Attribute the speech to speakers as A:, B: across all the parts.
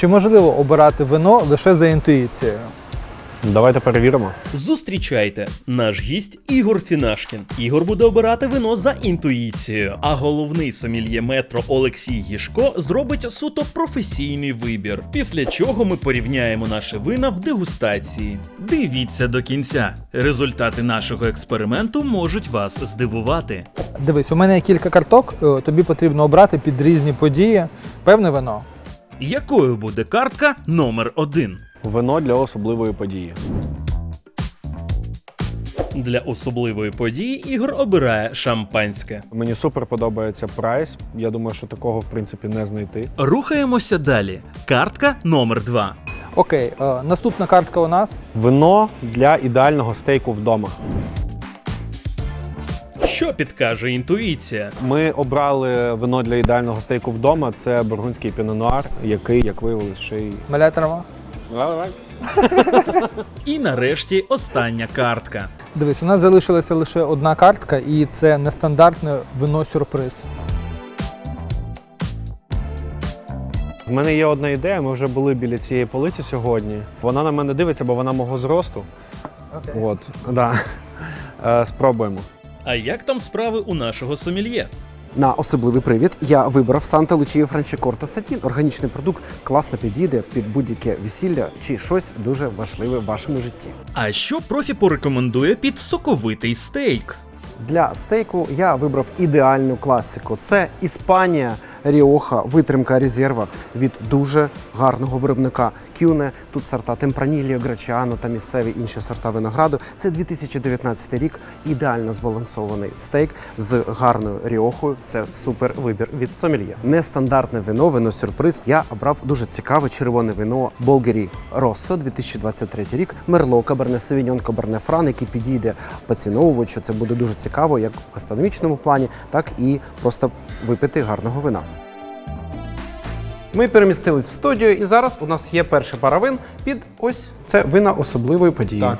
A: Чи можливо обирати вино лише за інтуїцією?
B: Давайте перевіримо.
C: Зустрічайте, наш гість Ігор Фінашкін. Ігор буде обирати вино за інтуїцією, а головний сомельє метро Олексій Гішко зробить суто професійний вибір. Після чого ми порівняємо наші вина в дегустації. Дивіться до кінця. Результати нашого експерименту можуть вас здивувати.
A: Дивись, у мене є кілька карток, тобі потрібно обрати під різні події певне вино.
C: Якою буде картка номер 1?
B: Вино для особливої події.
C: Для особливої події Ігор обирає шампанське.
B: Мені супер подобається прайс. Я думаю, що такого, в принципі, не знайти.
C: Рухаємося далі. Картка номер 2.
A: Окей, наступна картка у нас.
B: Вино для ідеального стейку вдома.
C: Що підкаже інтуїція?
B: Ми обрали вино для ідеального стейку вдома. Це бургундський піно-нуар, який, як виявилось, ще й...
A: Маля трава.
C: І нарешті остання картка.
A: Дивись, у нас залишилася лише одна картка, і це нестандартне вино-сюрприз.
B: В мене є одна ідея, ми вже були біля цієї полиці сьогодні. Вона на мене дивиться, бо вона мого зросту.
A: Окей.
B: От, да. Спробуємо.
C: А як там справи у нашого сомельє?
D: На особливий привід я вибрав Санта Лучія Франчикорта Сатін. Органічний продукт класно підійде під будь-яке весілля чи щось дуже важливе в вашому житті.
C: А що профі порекомендує під соковитий стейк?
D: Для стейку я вибрав ідеальну класику. Це Іспанія, Ріоха, витримка резерва від дуже гарного виробника Кюне. Тут сорта Темпранільо, Грачіано та місцеві інші сорта винограду. Це 2019 рік. Ідеально збалансований стейк з гарною Ріохою. Це супер вибір від сомельє. Нестандартне вино, вино-сюрприз. Я обрав дуже цікаве червоне вино Болгері Россо, 2023 рік. Мерло, Каберне Савіньон, Каберне Фран, який підійде поціновувачу. Це буде дуже цікаво як в гастрономічному плані, так і просто випити гарного вина. Ми перемістились в студію, і зараз у нас є перший пара вин під ось це вина особливої події.
B: Так.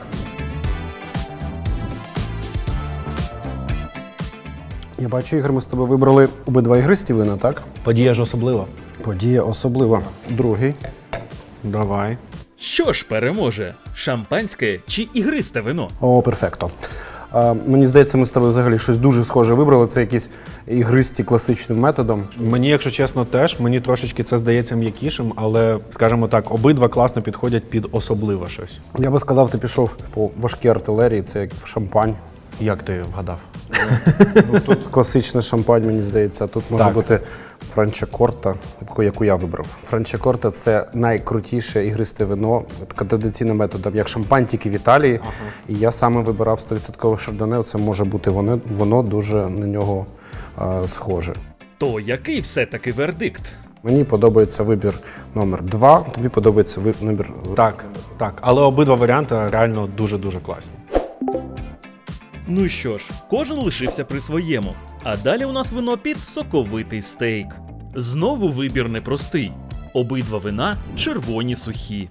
D: Я бачу, Ігор, ми з тобою вибрали обидва ігристі вина, так?
B: Подія ж особлива.
D: Подія особлива. Другий.
B: Давай.
C: Що ж переможе? Шампанське чи ігристе вино?
D: О, перфекто. Мені здається, ми з тобою взагалі щось дуже схоже вибрали. Це якісь ігристі класичним методом.
B: Мені, якщо чесно, теж. Мені трошечки це здається м'якішим, але, скажімо так, обидва класно підходять під особливе щось.
D: Я би сказав, ти пішов по важкій артилерії, це як шампань.
B: Як ти вгадав?
D: Тут класичний шампань, мені здається. Тут може
B: Так.
D: бути Франчикорта, яку я вибрав. Франчикорта – це найкрутіше ігристе вино традиційним методом, як шампань, тільки в Італії. І я саме вибирав 100% шардоне. Це може бути воно дуже на нього схоже.
C: То який все-таки вердикт?
D: Мені подобається вибір номер 2, тобі подобається вибір...
B: Так, так. Але обидва варіанти реально дуже-дуже класні.
C: Ну що ж, кожен лишився при своєму. А далі у нас вино під соковитий стейк. Знову вибір непростий. Обидва вина червоні сухі.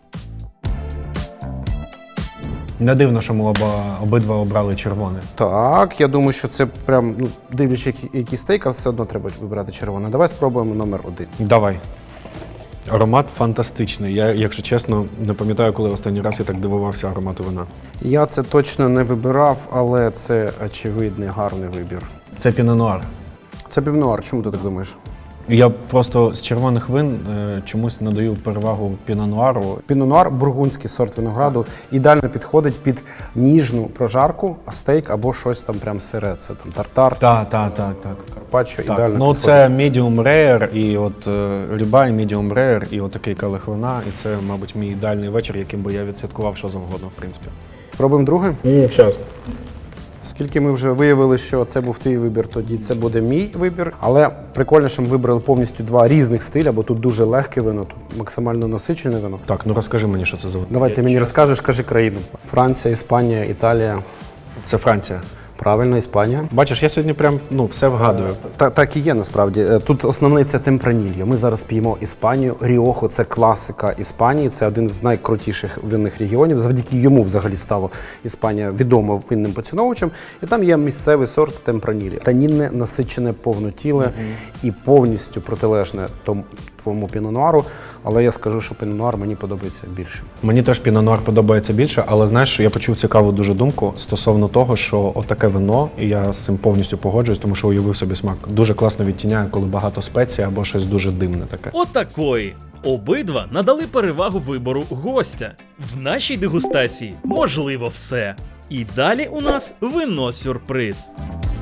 B: Не дивно, що ми обидва обрали червоне.
D: Так, я думаю, що це прям, дивлячись, який стейк, а все одно треба вибирати червоне. Давай спробуємо номер 1.
B: Давай. Аромат фантастичний. Я, якщо чесно, не пам'ятаю, коли останній раз я так дивувався аромату вина.
D: Я це точно не вибирав, але це очевидний гарний вибір.
B: Це піно-нуар.
D: Це півнуар, чому ти так думаєш?
B: Я просто з червоних вин чомусь надаю перевагу піно-нуару.
D: Піно-нуар – бургундський сорт винограду, ідеально підходить під ніжну прожарку, стейк або щось там прям сире. Це там тартар,
B: Так.
D: карпаччо,
B: Так.
D: ідеально
B: Ну,
D: підходить.
B: це medium rare, і от рибай medium rare, і от такий келих вина, і це, мабуть, мій ідеальний вечір, яким би я відсвяткував що завгодно, в принципі.
D: Спробуємо друге?
B: Зараз.
D: Оскільки ми вже виявили, що це був твій вибір, тоді це буде мій вибір. Але прикольно, що ми вибрали повністю два різних стиля, бо тут дуже легке вино, тут максимально насичене вино.
B: Так, ну розкажи мені, що це за вино.
D: Давай ти мені розкажеш, кажи країну. Франція, Іспанія, Італія.
B: Це Франція.
D: Правильно, Іспанія.
B: Бачиш, я сьогодні прям все вгадую.
D: Так і є насправді. Тут основний це Темпранільо. Ми зараз п'ємо Іспанію. Ріохо – це класика Іспанії, це один з найкрутіших винних регіонів. Завдяки йому взагалі стало Іспанія відомо винним поціновувачем. І там є місцевий сорт Темпранільо. Танінне, насичене, повнотіле і повністю протилежне твоєму піно-нуару. Але я скажу, що Піно Нуар мені подобається більше.
B: Мені теж Піно Нуар подобається більше, але знаєш, що я почув цікаву дуже думку стосовно того, що отаке вино, і я з цим повністю погоджуюсь, тому що уявив собі смак, дуже класно відтіняє, коли багато спецій або щось дуже димне таке.
C: Отакої. Обидва надали перевагу вибору гостя. В нашій дегустації можливо все. І далі у нас вино-сюрприз.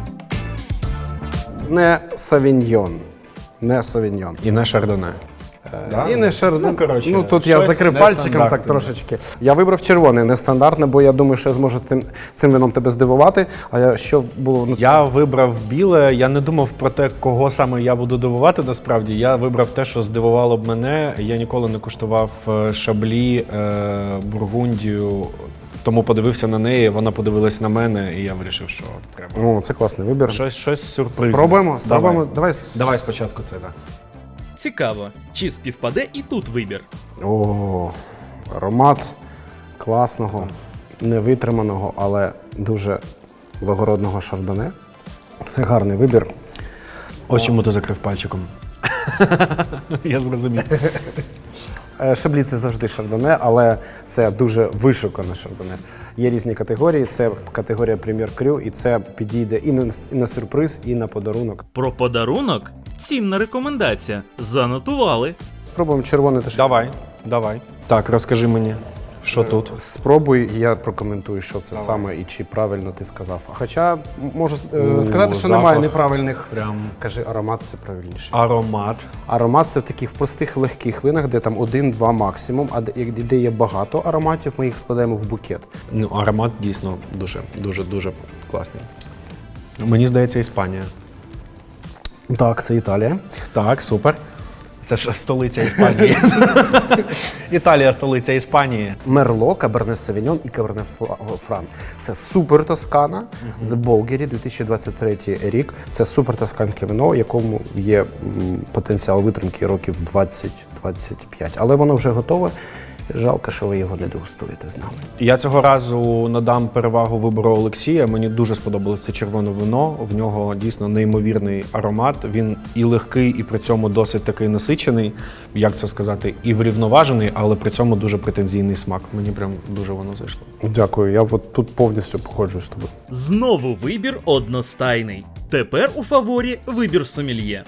D: Не савіньйон. Не савіньйон.
B: І не шардоне. Да?
D: І не шардоне.
B: Ну, коротше,
D: тут я
B: щось
D: закрив пальчиком
B: нестандартне,
D: так трошечки. Я вибрав червоне, нестандартне, бо я думаю, що я зможу цим вином тебе здивувати. А що було?
B: Я вибрав біле, я не думав про те, кого саме я буду дивувати насправді. Я вибрав те, що здивувало б мене. Я ніколи не куштував шаблі, бургундію, тому подивився на неї, вона подивилась на мене, і я вирішив, що треба.
D: О, це класний вибір.
B: Щось сюрпризне.
D: Спробуємо?
B: Давай спочатку це, так.
C: Цікаво, чи співпаде і тут вибір.
D: О, аромат класного, невитриманого, але дуже благородного шардоне. Це гарний вибір.
B: Ось чому ти закрив пальчиком. Я зрозумів.
D: Шаблі – це завжди шардоне, але це дуже вишукане шардоне. Є різні категорії, це категорія прем'єр крю, і це підійде і на сюрприз, і на подарунок.
C: Про подарунок цінна рекомендація. Занотували.
D: Спробуємо червоне та
B: Давай. Так, розкажи мені, що тут.
D: Спробуй, і я прокоментую, що це саме і чи правильно ти сказав. Хоча можу сказати, що немає
B: запах.
D: неправильних.
B: Прям
D: Кажи, аромат це правильніше.
B: аромат.
D: Аромат це в таких простих легких винах, де там 1-2 максимум, а де є багато ароматів, ми їх складаємо в букет.
B: Ну, аромат дійсно дуже класний. Мені здається, Іспанія.
D: Так, це Італія.
B: Так, супер. Це ж столиця Іспанії. Італія столиця Іспанії.
D: Мерло, Каберне Савіньон і Каберне Фран. Це супер Тоскана з Болгері, 2023 рік. Це супер тосканське вино, якому є потенціал витримки років 20-25. Але воно вже готове. Жалко, що ви його не дегустуєте з нами.
B: Я цього разу надам перевагу вибору Олексія. Мені дуже сподобалося це червоне вино. В нього дійсно неймовірний аромат. Він і легкий, і при цьому досить такий насичений, як це сказати, і врівноважений, але при цьому дуже претензійний смак. Мені прям дуже воно зайшло.
D: Дякую, я от тут повністю погоджуюсь з тобою.
C: Знову вибір одностайний. Тепер у фаворі вибір сомельє.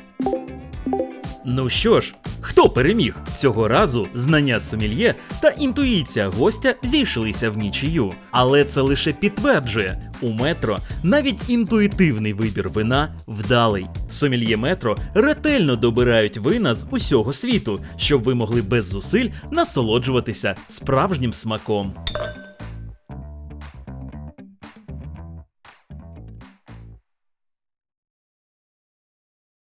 C: Ну що ж, хто переміг? Цього разу знання сомельє та інтуїція гостя зійшлися в нічию. Але це лише підтверджує, у метро навіть інтуїтивний вибір вина вдалий. Сомельє метро ретельно добирають вина з усього світу, щоб ви могли без зусиль насолоджуватися справжнім смаком.